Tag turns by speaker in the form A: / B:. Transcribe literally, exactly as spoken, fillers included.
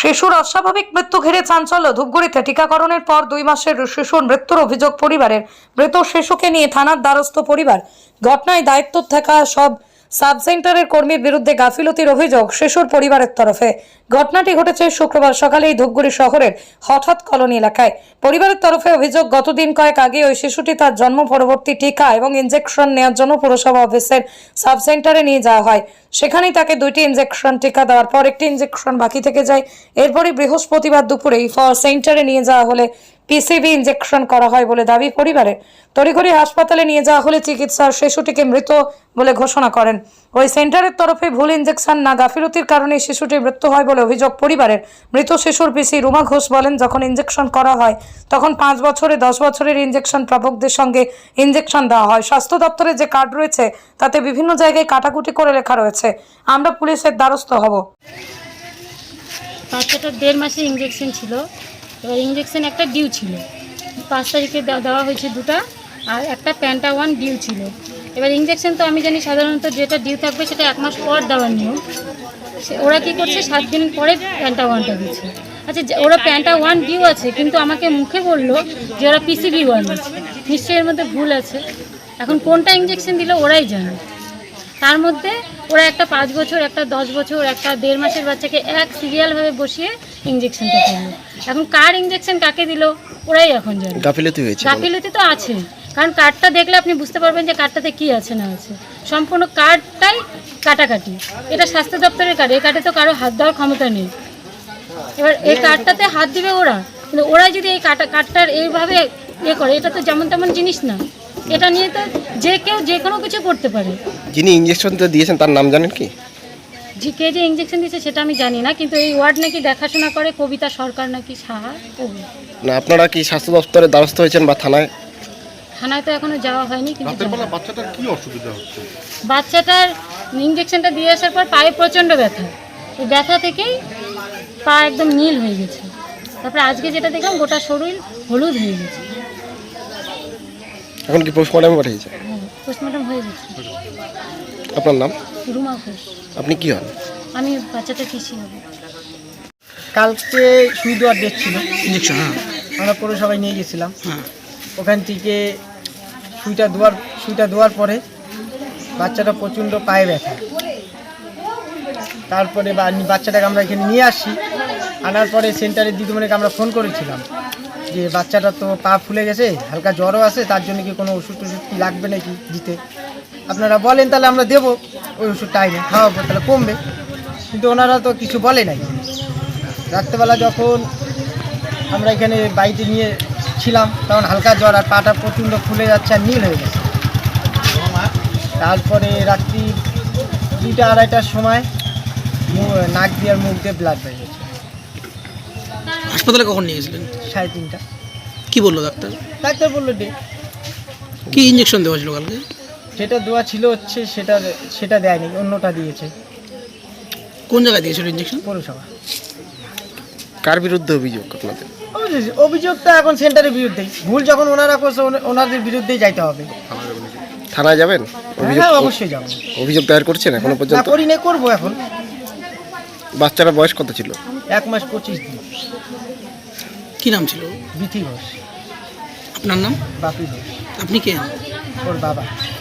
A: শিশুর অস্বাভাবিক মৃত্যু ঘিরে চাঞ্চল্য। ধূপগুড়িতে টিকাকরণের পর দুই মাসের শিশুর মৃত্যুর অভিযোগ পরিবারের। মৃত শিশুকে নিয়ে থানার দ্বারস্থ পরিবার। ঘটনায় দায়িত্ব থাকা সব সাব সেন্টারের কর্মীর বিরুদ্ধে গাফিলতির অভিযোগ শিশুর পরিবারের তরফে। ঘটনাটি ঘটেছে শুক্রবার সকালেই ধূপগুড়ি শহরের হঠাৎ কলোনি এলাকায়। পরিবারের তরফে অভিযোগ, গতদিন কয়েক আগে ওই শিশুটি তার জন্ম পরবর্তী টিকা এবং ইনজেকশন নেওয়ার জন্য পুরসভা অফিসের সাব সেন্টারে নিয়ে যাওয়া হয়। সেখানেই তাকে দুইটি ইনজেকশন টিকা দেওয়ার পর একটি ইনজেকশন বাকি থেকে যায়। এরপরই বৃহস্পতিবার দুপুরেই সেন্টারে নিয়ে যাওয়া হলে পিসিবি ইনজেকশন করা হয় বলে দাবি পরিবারের। তড়িঘড়ি হাসপাতালে নিয়ে যাওয়া হলে চিকিৎসক শিশুটিকে মৃত বলে ঘোষণা করেন। ওই সেন্টারের তরফে ভুল ইনজেকশন না গাফিলতির কারণে শিশুটির মৃত্যু হয় বলে অভিযোগ পরিবারের। মৃত শিশুর পিসি রুমা ঘোষ বলেন, যখন ইনজেকশন করা হয় তখন পাঁচ বছরে দশ বছরের ইনজেকশন প্রাপকদের সঙ্গে ইনজেকশন দেওয়া হয়। স্বাস্থ্য দপ্তরের যে কার্ড রয়েছে তাতে বিভিন্ন জায়গায় কাটাকুটি করে লেখা রয়েছে। আমরা পুলিশের দ্বারস্থ হব।
B: বাচ্চাটার দেড় মাসে ইঞ্জেকশন ছিল। এবার ইঞ্জেকশন একটা ডিউ ছিল, পাঁচ তারিখে দেওয়া হয়েছে দুটা, আর একটা প্যান্টা ওয়ান ডিউ ছিল। এবার ইঞ্জেকশন তো আমি জানি সাধারণত যেটা ডিউ থাকবে সেটা এক মাস পর দেওয়ার নিয়ম। ওরা কী করছে, সাত দিন পরে প্যান্টা ওয়ানটা দিচ্ছে। আচ্ছা, ওরা প্যান্টা ওয়ান ডিউ আছে, কিন্তু আমাকে মুখে বললো যে ওরা পিসিবি ওয়ান আছে। নিশ্চয়ই এর মধ্যে ভুল আছে। এখন কোনটা ইঞ্জেকশন দিল ওরাই জানে। তার মধ্যে ওরা একটা পাঁচ বছর, একটা দশ বছর, একটা দেড় মাসের বাচ্চাকে এক সিরিয়ালভাবে বসিয়ে ইঞ্জেকশনটা করলো। এখন কার ইঞ্জেকশন কাকে দিল ওরাই এখন জানে।
C: গাফিলতি হয়েছে,
B: গাফিলতি তো আছে, কারণ কার্ডটা দেখলে আপনি বুঝতে পারবেন যে কার্ডটাতে কী আছে না আছে। সম্পূর্ণ কার্ডটাই কাটাকাটি। এটা স্বাস্থ্য দপ্তরের কার্ড, এই কার্ডে তো কারো হাত দেওয়ার ক্ষমতা নেই। এবার এই কার্ডটাতে হাত দিবে ওরা, কিন্তু ওরাই যদি এই কাটা কার্ডটার এইভাবে ইয়ে করে, এটা তো যেমন তেমন জিনিস না। এটা নিয়ে তো যে কেউ যে কোনো কিছু করতে পারে।
C: যিনি ইঞ্জেকশনটা দিয়েছেন তার নাম জানেন কি?
B: যে কে যে ইঞ্জেকশন দিয়েছে সেটা আমি জানি না, কিন্তু এই ওয়ার্ড নাকি দেখাশোনা করে কবিতা সরকার নাকি সাহা।
C: না, আপনারা কি স্বাস্থ্য দপ্তরের দ্বারস্থ হয়েছেন বা থানায়?
B: থানায় তো এখনো যাওয়া হয়নি, কিন্তু
D: বাচ্চাটার কি অসুবিধা হচ্ছে?
B: বাচ্চাটার ইঞ্জেকশনটা দিয়ে আসার পর পায়ে প্রচণ্ড ব্যথা। এই ব্যথা থেকেই পা একদম নীল হয়ে গেছে। তারপরে আজকে যেটা দেখলাম গোটা শরীর হলুদ হয়ে গেছে।
C: এখন কি পোস্টমর্টমে পাঠিয়েছে?
B: হ্যাঁ, পোস্টমর্টম হয়ে গেছে।
C: আপনার নাম?
B: রুমা ঘোষ।
C: আপনি কি হন?
B: আমি বাচ্চাটা পিসি হব।
E: কালকে সুই দেওয়ার ডেট ছিল
C: ইঞ্জেকশন, হ্যাঁ।
E: আমরা পৌরসভায় নিয়ে গেছিলাম।
C: হ্যাঁ।
E: ওখান থেকে সুইটা দেওয়ার সুইটা দেওয়ার পরে বাচ্চাটা প্রচণ্ড পায়ে ব্যথা। তারপরে বাচ্চাটাকে আমরা এখানে নিয়ে আসি। আনার পরে সেন্টারের দিদিমণিকে আমরা ফোন করেছিলাম যে বাচ্চাটা তো পা ফুলে গেছে, হালকা জ্বরও আছে, তার জন্য কি কোনো ওষুধ টষুধ কি লাগবে নাকি দিতে? আপনারা বলেন তাহলে আমরা দেবো ওই ওষুধ টাইমে খাওয়াবো, তাহলে কমবে। কিন্তু ওনারা তো কিছু বলে নাই। রাত্রেবেলা যখন আমরা এখানে বাড়িতে নিয়ে ছিলাম তখন হালকা জ্বর, আর পাটা প্রচণ্ড ফুলে যাচ্ছে আর নীল হয়ে গেছে। তারপরে রাত্রি দুইটা আড়াইটার সময় নাক দিয়ে আর মুখ দিয়ে ব্লাড বেরিয়ে গেছে।
F: হাসপাতালে কখন নিয়ে গেছিলেন?
E: সাড়ে তিনটা।
F: কি বললো ডাক্তার?
E: ডাক্তার বললো ডে।
F: কি ইঞ্জেকশন দেওয়া ছিল কালকে?
E: যেটা দেওয়া ছিল হচ্ছে সেটা সেটা দেয়নি, অন্যটা দিয়েছে।
F: কোন জায়গায় দিয়েছিল ইঞ্জেকশন?
E: পৌরসভা।
C: কার বিরুদ্ধে অভিযোগ আপনাদের?
E: অভিযোগটা এখন সেন্টারের বিরুদ্ধেই। ভুল যখন ওনারা করছে ওনাদের বিরুদ্ধেই যাইতে হবে।
C: থানায় যাবেন?
E: হ্যাঁ, অবশ্যই যাবো।
C: অভিযোগ দায়ের করছেন এখনো পর্যন্ত?
E: করি না, করবো এখন।
C: বাচ্চারা বয়স কত ছিল?
E: এক মাস পঁচিশ দিন।
F: কি নাম ছিল?
E: বিথি ঘোষ।
F: আপনার নাম?
E: বাপি ঘোষ।
F: আপনি কে?
E: ওর বাবা।